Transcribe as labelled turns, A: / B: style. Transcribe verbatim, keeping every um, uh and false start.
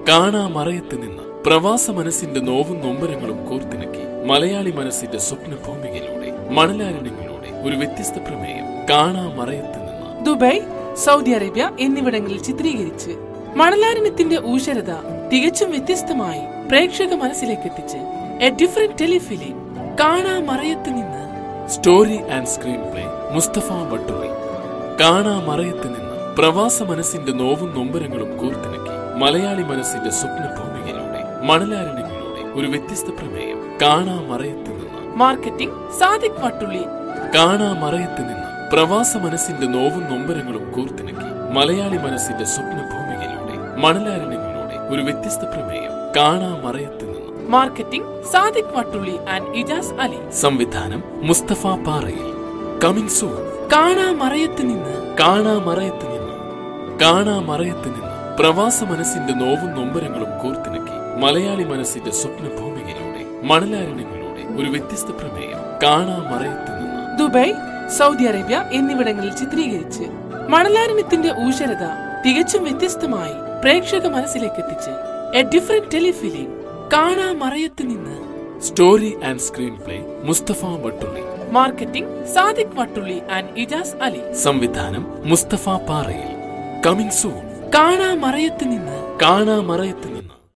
A: കാണാമറയത്ത് നിന്ന് പ്രവാസ മനസ്സിന്റെ നോവും നൊമ്പരങ്ങളും കോർത്തിണക്കി മലയാളി മനസ്സിന്റെ സ്വപ്ന ഭൂമികയിലൂടെ മണലാരണ്യങ്ങളിലൂടെ ഒരു വ്യത്യസ്ത പ്രമേയം കാണാമറയത്ത് നിന്ന്.
B: ദുബായ്, സൗദി അറേബ്യ എന്നിവിടങ്ങളിൽ ചിത്രീകരിച്ച് മണലാരണ്യത്തിന്റെ ഊഷരത തികച്ചും വ്യത്യസ്തമായി പ്രേക്ഷക മനസ്സിലേക്ക് എത്തിച്ച് A different telefilm Kanamarayath Ninnu.
A: Story and screenplay Mustafa Vattulli. Kanamarayath Ninnu പ്രവാസ മനസ്സിന്റെ നോവും നൊമ്പരങ്ങളും കോർത്തിണക്കി മലയാളി മനസ്സിന്റെ സ്വപ്ന ഭൂമികയിലൂടെ മണലാരണ്യങ്ങളിലൂടെ ഒരു വ്യത്യസ്ത പ്രമേയം കാണാമറയത്ത് നിന്ന്.
B: മാർക്കറ്റിംഗ് സാദിഖ് വട്ടുള്ളി.
A: കാണാമറയത്ത് നിന്ന് പ്രവാസ മനസ്സിന്റെ നോവും നൊമ്പരങ്ങളും കോർത്തിണക്കി മലയാളി മനസ്സിന്റെ സ്വപ്ന ഭൂമികയിലൂടെ മണലാരണ്യങ്ങളിലൂടെ ഒരു വ്യത്യസ്ത പ്രമേയം കാണാമറയത്ത് നിന്ന്.
B: Marketing Sadiq Vattulli and Ijas Ali.
A: സംവിധാനം മുസ്തഫ പാറയിൽ. Coming soon.
B: കാണാമറയത്ത് നിന്ന്.
A: കാണാമറയത്ത് നിന്ന് കാണാമറയത്ത് നിന്ന് പ്രവാസ മനസ്സിന്റെ നോവും നൊമ്പരങ്ങളും കോർത്തിണക്കി മലയാളി മനസ്സിന്റെ സ്വപ്ന ഭൂമികയിലൂടെ മണലാരണ്യങ്ങളിലൂടെ ഒരു വ്യത്യസ്ത പ്രമേയം കാണാമറയത്ത് നിന്ന്.
B: ദുബായ്, സൗദി അറേബ്യ എന്നിവിടങ്ങളിൽ ചിത്രീകരിച്ച് മണലാരണ്യത്തിന്റെ ഊഷരത തികച്ചും വ്യത്യസ്തമായി പ്രേക്ഷക മനസ്സിലേക്ക് എത്തിച്ച് A different telefilm Kanamarayath Ninnu.
A: Story and screenplay Mustafa Vattulli.
B: Marketing Sadiq Vattulli and Ijas Ali.
A: സംവിധാനം മുസ്തഫ പാറയിൽ. Coming soon.
B: കാണാമറയത്ത് നിന്ന്.
A: കാണാമറയത്ത് നിന്ന്